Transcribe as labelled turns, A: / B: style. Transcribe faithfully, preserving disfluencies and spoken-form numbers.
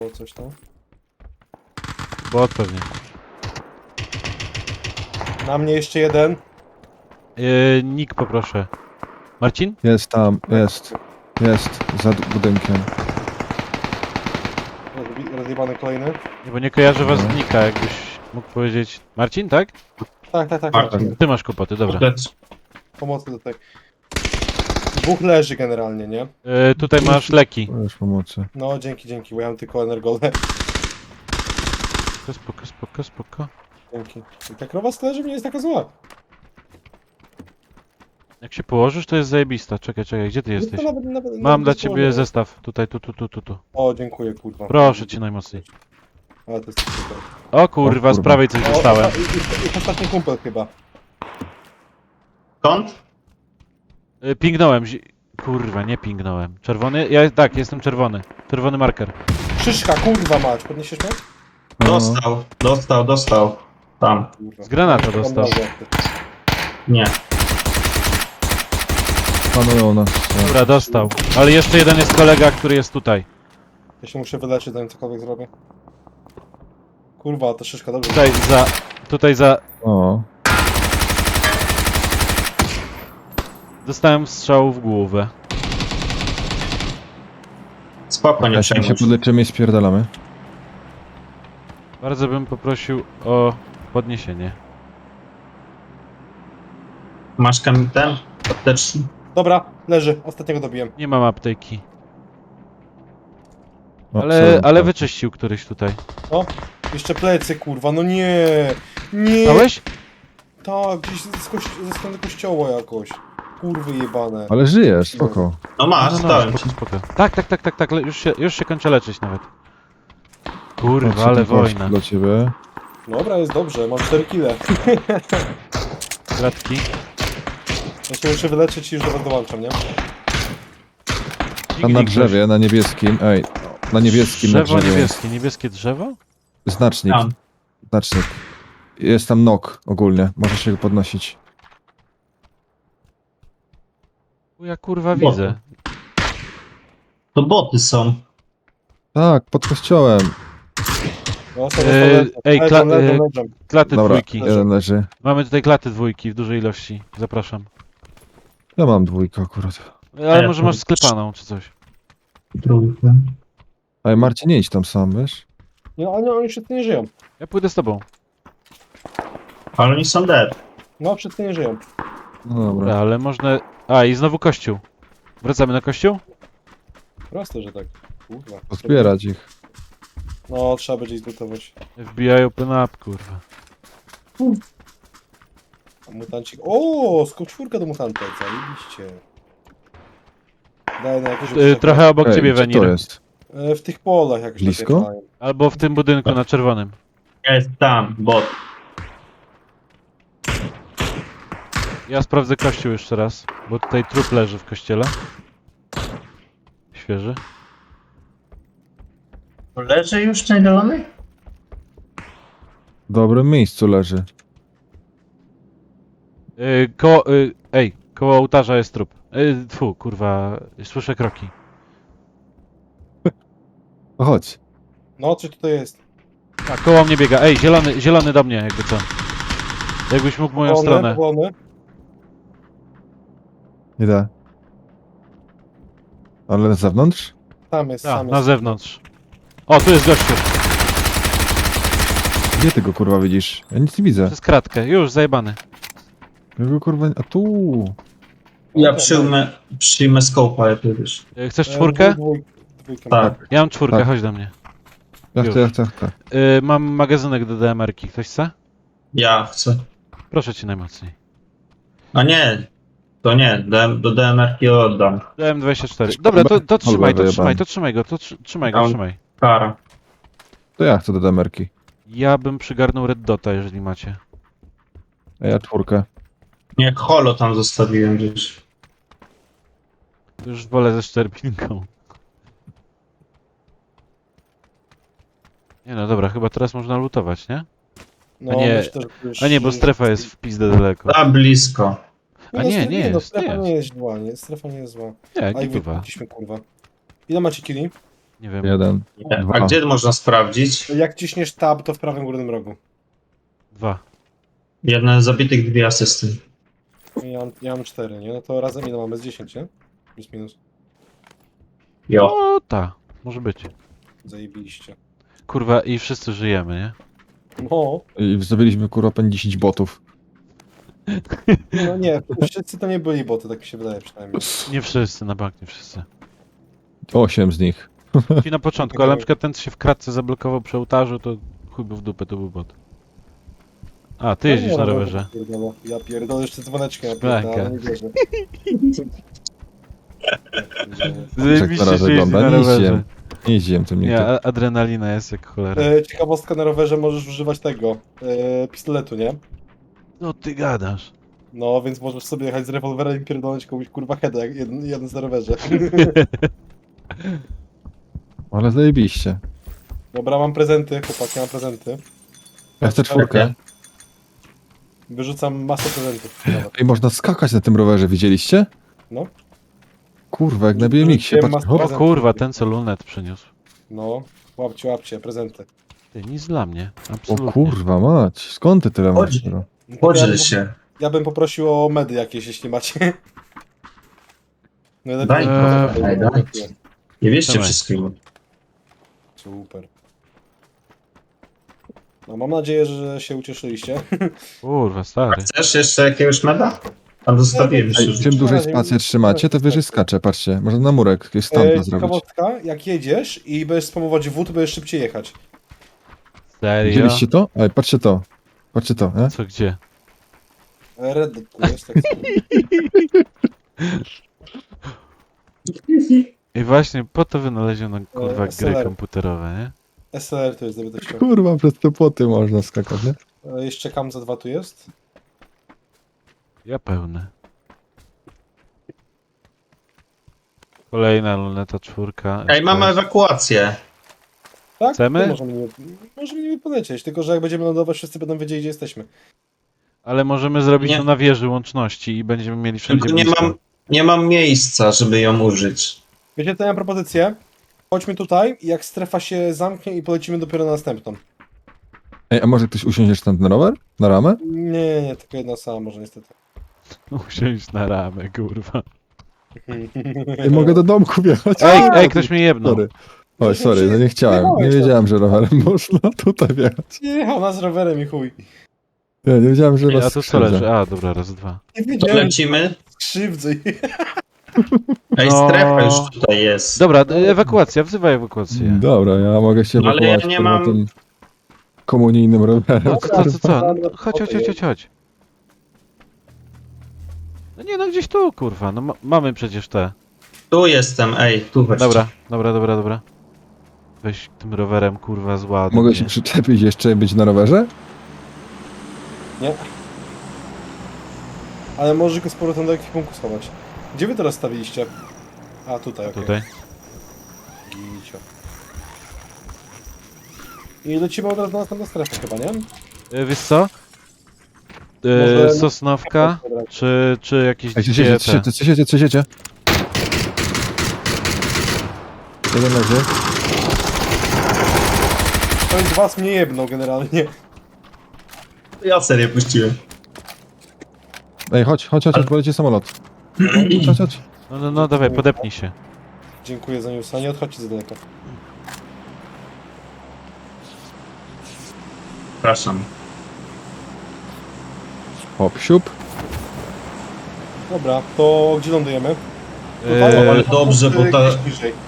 A: Było coś tam.
B: Bot pewnie.
A: Na mnie jeszcze jeden.
B: Yy, Nick poproszę. Marcin?
C: Jest tam, jest. Jest, za d- budynkiem.
A: Rozbi- Rozjebany kolejny.
B: Nie, bo nie kojarzę was z
C: No.
B: Nika, jakbyś mógł powiedzieć. Marcin, tak?
A: Tak, tak, tak.
D: Marcin.
A: tak.
B: Ty masz kłopoty, dobra.
D: Lecz.
A: Pomocy tutaj. Dwóch leży generalnie, nie?
B: Yy, tutaj masz leki.
C: Już pomocy.
A: No, dzięki, dzięki, bo ja mam tylko energole.
B: Spoko, spoko, spoko, spoko.
A: Dzięki. I ta krowa z leży nie jest taka zła.
B: Jak się położysz, to jest zajebista. Czekaj, czekaj, gdzie ty jesteś?
A: To nawet- nawet-
B: Mam
A: nawet
B: dla
A: nie
B: ciebie
A: położę.
B: zestaw. Tutaj, tu, tu, tu, tu, tu.
A: O, dziękuję, kurwa.
B: Proszę cię najmocniej.
A: Ale to jest super.
B: O kurwa,
C: O
B: z
C: kurwa.
B: prawej coś
A: O,
B: dostałem.
A: osta- i- i- i ostatni kumpel chyba.
D: Skąd?
B: Yy, Pingnąłem. zi- Kurwa, nie pingnąłem. Czerwony? Ja tak, jestem czerwony. Czerwony marker.
A: Szyszka, kurwa mać, podniesiesz mnie?
C: No,
D: Dostał, dostał, dostał. Tam.
A: Kurwa.
B: Z granata dostał.
D: Nie.
C: panują nas.
B: Dobra, dostał. Ale jeszcze jeden jest kolega, który jest tutaj.
A: Ja się muszę wyleczyć, zanim cokolwiek zrobię. Kurwa, to szyszka, dobrze.
B: Tutaj za... Tutaj za...
C: O,
B: Dostałem strzał w głowę.
D: Spoko, nie
C: ja się
D: przejmuj się.
C: podleczymy i spierdalamy.
B: Bardzo bym poprosił o podniesienie.
D: Masz kam ten? Apteczki?
A: Dobra, leży, ostatniego dobiłem.
B: Nie mam apteki.
C: O,
B: Ale,
C: sorry.
B: ale wyczyścił któryś tutaj.
A: O, jeszcze plecy, kurwa, no nie, nie.
B: Stałeś?
A: Tak, gdzieś ze, kości- ze strony kościoła jakoś. Kurwy jebane.
C: Ale żyjesz, spoko.
D: No masz,
B: No, no,
D: dałem
B: spoko,
D: ci.
B: spoko. Tak, tak, tak, tak, tak. le- Już się, już się kończę leczyć nawet. Kurwa,
C: Patrzę,
B: ale
C: tu kości
B: wojna.
C: dla ciebie.
A: Dobra, jest dobrze, mam cztery kile.
B: Klatki.
A: Ja się muszę wyleczyć i już do was dołączam, nie?
C: Tam na drzewie, na niebieskim. Ej, na niebieskim na
B: Drzewo
C: drzewie.
B: niebieskie. Niebieskie drzewo?
C: Znacznik,
D: Tam.
C: znacznik. Jest tam nok ogólnie, możesz się go podnosić.
B: Tu ja kurwa
D: Boty.
B: widzę.
D: To boty są.
C: Tak, pod kościołem.
A: No, sobie
B: Eee,
A: leżą,
B: ej,
A: leżą,
B: kla-
A: leżą,
B: eee,
A: leżą.
B: Klaty
C: Dobra,
B: dwójki.
C: jeden leży.
B: Mamy tutaj klaty dwójki w dużej ilości. Zapraszam.
C: Ja mam dwójkę akurat.
B: Ale
D: ja
B: może
D: tu-
B: masz sklepaną czy coś.
D: Trójkę.
C: Ej, Marcin, nie idź tam sam, wiesz?
A: Nie, oni, oni wszyscy nie żyją.
B: Ja pójdę z tobą.
D: Ale oni są dead.
A: No, wszyscy nie żyją.
C: No dobra.
B: Dobra, ale można... A, i znowu kościół. Wracamy na kościół?
A: Proste, że tak. Kurwa.
C: Pozbierać ich.
A: No, trzeba będzie ich zlutować.
B: F B I open up, kurwa.
A: A mutancik... O, skok czwórka do mutanta, zajebiście. Daj na jakieś...
B: Y, trochę obok
C: Ej,
B: ciebie,
C: gdzie to
B: Wenir.
C: jest?
A: E, w tych polach jakoś
C: Blisko?
A: takie mają.
B: Albo w tym budynku na czerwonym.
D: Jest tam, bot.
B: Ja sprawdzę kościół jeszcze raz, bo tutaj trup leży w kościele. Świeży.
D: Leży już najdolony?
C: W dobrym miejscu leży.
B: Yy, koło... Yy, ej, koło ołtarza jest trup. Yy, tfu, kurwa, słyszę kroki.
C: No chodź.
A: No, coś tutaj jest.
B: A, koło mnie biega. Ej, zielony, zielony do mnie, jakby co. Jakbyś mógł w moją
A: Powolny,
B: stronę.
A: powolny.
C: Idę. Ale na zewnątrz?
A: Tam jest,
B: A,
A: tam
B: na
A: jest.
B: zewnątrz. O, tu jest gościu.
C: Gdzie ty go kurwa widzisz? Ja nic nie widzę.
B: Przez kratkę. Już, zajebany.
C: Ja go kurwa... A tu.
D: Ja przyjmę, przyjmę scope'a, jak wiesz.
B: Yy, chcesz
A: E,
B: czwórkę?
A: dwój- dwójkę
D: Tak.
B: Ja mam czwórkę,
C: Tak.
B: chodź do mnie.
C: Ja
B: Już.
C: chcę, ja chcę, ja chcę.
B: Yy, mam magazynek do D M R ki. Ktoś chce?
D: Ja chcę.
B: Proszę cię najmocniej.
D: A nie. To nie, D- do D M R-ki oddam.
B: D M dwadzieścia cztery. Dobra, to, to trzymaj, to
C: wyjebany.
B: trzymaj, to trzymaj go, to trzy- trzymaj go,
D: Tam.
B: trzymaj.
D: Kara.
C: To ja chcę do demerki.
B: Ja bym przygarnął Red Dota, jeżeli macie.
C: A ja czwórkę.
D: Nie, holo tam zostawiłem gdzieś.
B: Już wolę ze szczerbinką. Nie no dobra, chyba teraz można lutować, nie?
A: No,
B: A nie,
A: myślę, że to już-
B: A nie, bo strefa jest w pizdę daleko.
D: Za blisko.
A: No,
B: A nie,
A: strefa-
B: nie
A: no,
B: jest,
A: strefa
B: nie
A: nie jest zła, nie, strefa nie jest zła.
B: Nie,
A: A i
B: gituwa.
A: wypuściliśmy, kurwa. Ile macie kili?
B: Nie wiem.
C: Jeden.
D: Nie. A
C: Dwa.
D: gdzie można sprawdzić?
A: Jak ciśniesz tab, to w prawym górnym rogu.
B: Dwa.
D: Jeden zabitych, dwie asysty.
A: Ja mam, ja mam cztery, nie? No to razem ile mamy? Z dziesięć, nie? Plus minus.
D: Jo.
B: O, ta. Może być.
A: Zajebiliście.
B: Kurwa, i wszyscy żyjemy, nie?
A: No,
C: I zabiliśmy kurwa pen dziesięć botów.
A: no nie, wszyscy to nie byli boty, tak mi się wydaje przynajmniej.
B: Nie wszyscy, na bank nie wszyscy.
C: Osiem z nich.
B: Ci na początku, ale na przykład ten, co się w kratce zablokował przy ołtarzu, to chuj był w dupę, to był bot. A, ty jeździsz na rowerze.
A: Pierdolę. Ja pierdolę jeszcze dzwoneczkiem, ja
B: Blanka.
A: pierdolę, ale nie wierzę. Ja pierdolę.
B: Zajebiście
C: teraz
B: się jeździ
C: wygląda,
B: na
C: nie
B: rowerze.
C: jeździłem. Nie jeździłem tym
B: Nie,
C: nigdy.
B: a- adrenalina jest jak cholera.
A: E, ciekawostka, na rowerze możesz używać tego, e, pistoletu, nie?
B: No ty gadasz.
A: No, więc możesz sobie jechać z rewolwerem i pierdolnąć komuś kurwa heada, jak jeden, jeden z na rowerze.
C: Ale zajebiście.
A: Dobra, mam prezenty, chłopaki, mam prezenty.
C: Ja chcę czwórkę.
A: Wyrzucam masę prezentów. Dobra.
C: I można skakać na tym rowerze, widzieliście?
A: No.
C: Kurwa, jak na B M X-ie.
A: Wiem,
C: Patrz,
A: masz-
C: hop.
B: O kurwa, ten co lunet przyniósł.
A: No, łapcie, łapcie, prezenty.
B: Ty, nic dla mnie.
C: O
B: Absolutnie.
C: kurwa mać, skąd ty tyle masz?
D: Chodź.
C: bro?
D: Podziel
A: ja,
D: się.
A: ja bym poprosił o medy jakieś, jeśli macie. No,
D: Daj,
B: Eee,
D: daj, daj. Nie wierzcie
B: Dawaj.
D: wszystkiego.
A: Super. No, mam nadzieję, że się ucieszyliście.
B: Kurwa, stary.
D: Chcesz jeszcze jakiegoś meda? Tam zostawiłem
C: Ej,
D: już.
C: czym dłużej spację trzymacie, to wyżej skacze, patrzcie. Można na murek jakieś
A: E,
C: stampa zrobić.
A: ciekawostka, jak jedziesz i będziesz spamować W, to będziesz szybciej jechać.
B: Serio?
C: Widzieliście to? Ej, patrzcie to. Patrzcie to, nie?
B: Co, gdzie?
A: E, Red Dead tu jest, tak samo.
B: I właśnie po to wynaleziono kurwa gry
A: S L R.
B: komputerowe, nie?
A: S L R to jest, gdyby to chciał.
C: Kurwa, przez te płoty można skakać, nie?
A: E, jeszcze Kam za dwa tu jest.
B: Ja pełny. Kolejna luneta czwórka.
D: Ej, mamy ewakuację.
A: Tak?
B: Chcemy?
A: To możemy nie, możemy nie polecieć, tylko że jak będziemy lądować, wszyscy będą wiedzieli, gdzie jesteśmy.
B: Ale możemy zrobić
D: Nie.
B: to na wieży łączności i będziemy mieli wszędzie
D: Tylko nie
B: blisko.
D: mam, nie mam miejsca, żeby ją użyć.
A: Wiecie, to ja mam propozycję. Chodźmy tutaj i jak strefa się zamknie i polecimy dopiero na następną.
C: Ej, a może ktoś usiądzie jeszcze tam na rower? Na ramę?
A: Nie, nie, nie, tylko jedna sama może niestety.
B: Usiąść na ramę, kurwa.
C: Ej, mogę do domku wjechać?
B: Ej, ej, ktoś mnie jebnął.
C: Sorry. Oj, sorry, no nie chciałem. Nie wiedziałem, że rowerem można tutaj wjechać.
A: Nie jechał nas rowerem i chuj.
C: Nie, nie wiedziałem, że
B: Ej,
C: was
B: a tu co
C: skrzywdzę.
B: leży? A, dobra, raz, dwa.
A: Nie
D: To
A: wiedziałem, że
D: lecimy.
A: krzywdzę.
D: Ej,
B: No.
D: strefa już tutaj jest.
B: Dobra, ewakuacja, wzywaj ewakuację.
C: Dobra, ja mogę się
D: No, ale
C: ewakuować
D: ja nie
C: kurwa,
D: mam-
C: tym komunijnym rowerem.
B: No, co, co, co? No, chodź, chodź, chodź, chodź, chodź. No nie, no gdzieś tu, kurwa. No ma mamy przecież te.
D: Tu jestem, ej, tu weź.
B: Dobra, dobra, dobra, dobra. Weź tym rowerem, kurwa, z ładu.
C: Mogę
B: nie?
C: się przyczepić jeszcze i być na rowerze?
A: Nie. Ale możesz go z powrotem do ekwipunku schować. Gdzie wy teraz stawiliście? A, tutaj, okej.
B: Tutaj.
A: Gicio. I lecimy od razu na następną strefę chyba, nie?
B: E, wiesz co?
A: Może-
B: E, Sosnowka, czy, czy jakieś
C: Ej, co
B: gdzie
C: siecie,
B: te-
C: co siecie, co siecie, co siecie? Jeden leży.
A: Ktoś z was mnie jebnął generalnie.
D: Ja serię puściłem.
C: Ej, chodź, chodź, chodź, poleci samolot. Chodź, chodź, chodź.
B: No, no, no, dawaj, podepnij się.
A: Dziękuję za newsa, nie odchodźcie za daleko.
D: Przepraszam.
C: Hop, siup.
A: Dobra, to gdzie lądujemy?
B: E,
D: ale dobrze, bo ta-
A: Gdzieś niżej.